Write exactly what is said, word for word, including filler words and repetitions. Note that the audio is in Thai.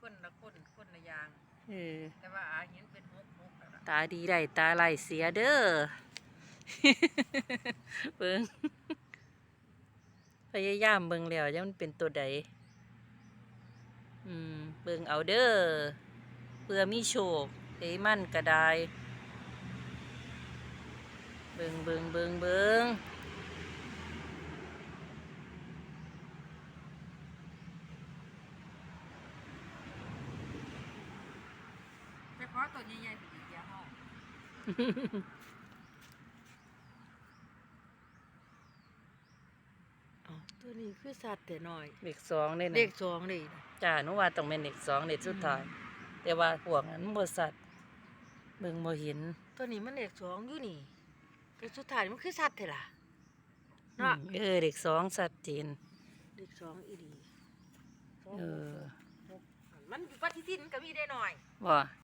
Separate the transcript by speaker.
Speaker 1: คนละคนคนละอย่าง
Speaker 2: เออ
Speaker 1: แต่ว่าอาเห็นเป็นหกหกแล้วล่ะ
Speaker 2: ตาดีได้ตาไหลเสียเด้อ เบิ่ง พยายามเบิ่งแล้วยังมันเป็นตัวใดอืมเบิ่งเอาเด้อเพื่อมีโชคเอ้มันก็ได้เบิ่งเบิ่งเบิ่งเบิ่ง
Speaker 1: ไปขอตัวใหญ่ๆสิเดียวเฮา
Speaker 3: อ๋อตัวนี้คือสัตว์แต่น้อย
Speaker 2: เลขสองเลยนะ
Speaker 3: เลขสองเลยนะ
Speaker 2: จ้าหนูว่าต้องเป็นเลขสองเลขสุดท้ายแต่ว่าพวกนั้นบ่สัตว์เบิ่งบ่เห็น
Speaker 3: ตัวนี้มันเลขสองอยู่นี่ตัวสุดท้ายมันคือสัตว์เถอะล่ะเนาะ
Speaker 2: เออเลขสองชัดเจน
Speaker 3: เลขสองอีดีสอง
Speaker 2: เออ
Speaker 3: หกมันอยู่ปฏิทินก็มีได้หน่อย
Speaker 2: ว่า